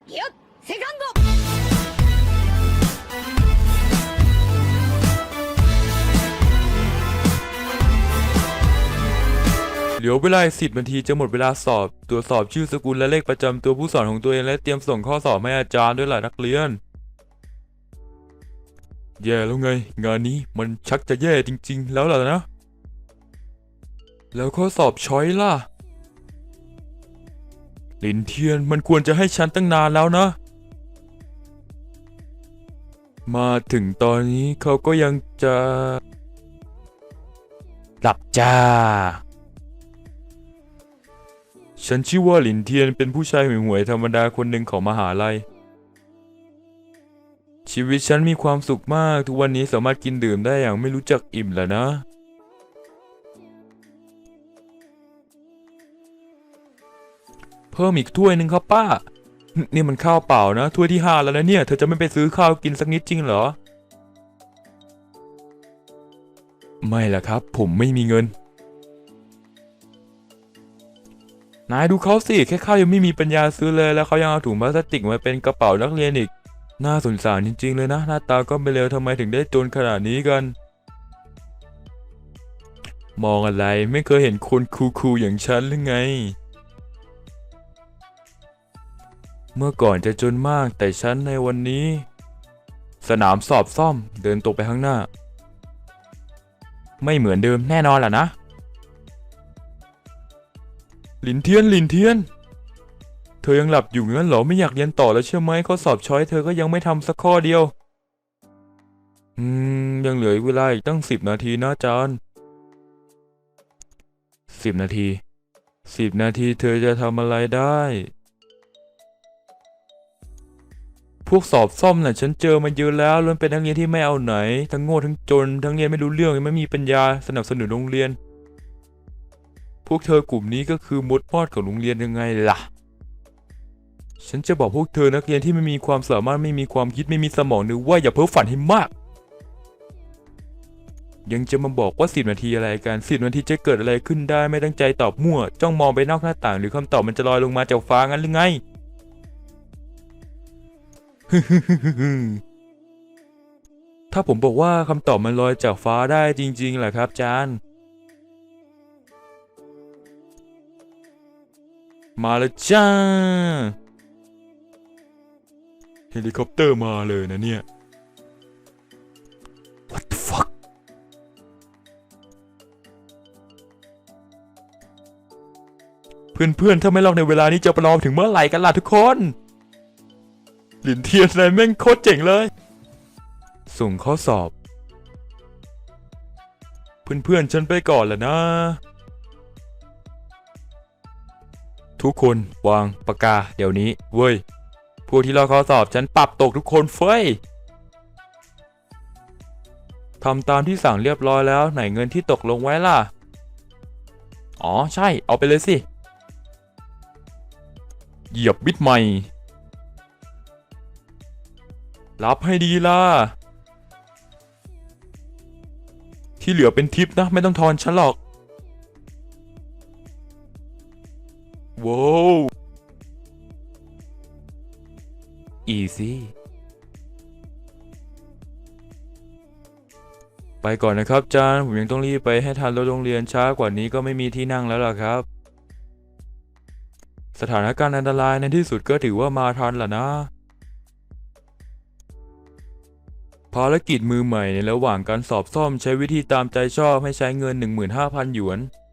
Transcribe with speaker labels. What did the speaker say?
Speaker 1: よっセカンド
Speaker 2: เหลือเวลา10 นาทีจะหมดเวลาสอบตรวจสอบชื่อสกุลและเลขประจำตัวผู้สอนของตัวเองและเตรียมส่งข้อสอบให้อาจารย์ด้วยล่ะนักเรียนแย่แล้วไงงานนี้มันชักจะแย่จริงๆแล้วล่ะนะแล้วข้อสอบช้อยล่ะหลินเทียนมันควรจะให้ฉันตั้งนานแล้วนะมาถึงตอนนี้เขาก็ยังจะหลับจ้าฉันชื่อว่าหลินเทียนเป็นผู้ชายห่วยๆธรรมดาคนหนึ่งของมหาลัยชีวิตฉันมีความสุขมากทุกวันนี้สามารถกินดื่มได้อย่างไม่รู้จักอิ่มแล้วนะเพิ่มอีกถ้วยหนึ่งครับป้านี่มันข้าวเปล่านะถ้วยที่5แล้วนะเนี่ยเธอจะไม่ไปซื้อข้าวกินสักนิดจริงเหรอไม่ล่ะครับผมไม่มีเงินนายดูเขาสิแค่ข้าวยังไม่มีปัญญาซื้อเลยแล้วเขายังเอาถุงพลาสติกมาเป็นกระเป๋านักเรียนอีกน่าสงสารจริงๆเลยนะหน้าตาก็ไม่เลวทำไมถึงได้จนขนาดนี้กันมองอะไรไม่เคยเห็นคนคูลๆอย่างฉันหรือไงเมื่อก่อนจะจนมากแต่ฉันในวันนี้สนามสอบซ่อมเดินตรงไปข้างหน้าไม่เหมือนเดิมแน่นอนล่ะนะหลินเทียนเธอยังหลับอยู่งั้นเหรอไม่อยากเรียนต่อแล้วใช่ไหมข้อสอบช้อยเธอก็ยังไม่ทำสักข้อเดียวยังเหลือเวลาอีกตั้ง10 นาทีนะอาจารย์10 นาทีเธอจะทำอะไรได้พวกสอบซ่อมน่ะฉันเจอมาเยอะแล้วล้วนเป็นนักเรียนที่ไม่เอาไหนทั้งโง่ทั้งจนทั้งเรียนไม่รู้เรื่องไม่มีปัญญาสนับสนุนโรงเรียนพวกเธอกลุ่มนี้ก็คือมดมอดของโรงเรียนยังไงล่ะฉันจะบอกพวกเธอนักเรียนที่ไม่มีความสามารถไม่มีความคิดไม่มีสมองนึกว่าอย่าเพ้อฝันให้มากยังจะมาบอกว่า10 นาทีอะไรกัน10 นาทีจะเกิดอะไรขึ้นได้ไม่ตั้งใจตอบมั่วจ้องมองไปนอกหน้าต่างหรือคำตอบมันจะลอยลงมาจากฟ้างั้นหรือไง ถ้าผมบอกว่าคำตอบมันลอยจากฟ้าได้จริงๆแหละครับอาจารย์มาแล้วจ้าเฮลิคอปเตอร์มาเลยนะเนี่ย What the fuck เพื่อนๆถ้าไม่ลอกในเวลานี้จะประลองถึงเมื่อไหร่กันล่ะทุกคนหลินเทียนนายแม่งโคตรเจ๋งเลยส่งข้อสอบเพื่อนๆฉันไปก่อนแหละนะทุกคนวางปากกาเดี๋ยวนี้เว้ยพวกที่ลอกข้อสอบฉันปรับตกทุกคนเฟ้ยทำตามที่สั่งเรียบร้อยแล้วไหนเงินที่ตกลงไว้ล่ะอ๋อใช่เอาไปเลยสิเหยียบบิดใหม่รับให้ดีล่ะที่เหลือเป็นทิปนะไม่ต้องทอนฉันหรอกว้าวอีซี่ไปก่อนนะครับอาจารย์ผมยังต้องรีบไปให้ทันรถโรงเรียนช้ากว่านี้ก็ไม่มีที่นั่งแล้วล่ะครับสถานการณ์อันตรายในที่สุดก็ถือว่ามาทันล่ะนะภารกิจมือใหม่ในระหว่างการสอบซ่อมใช้วิธีตามใจชอบให้ใช้เงิน 15,000 หยวน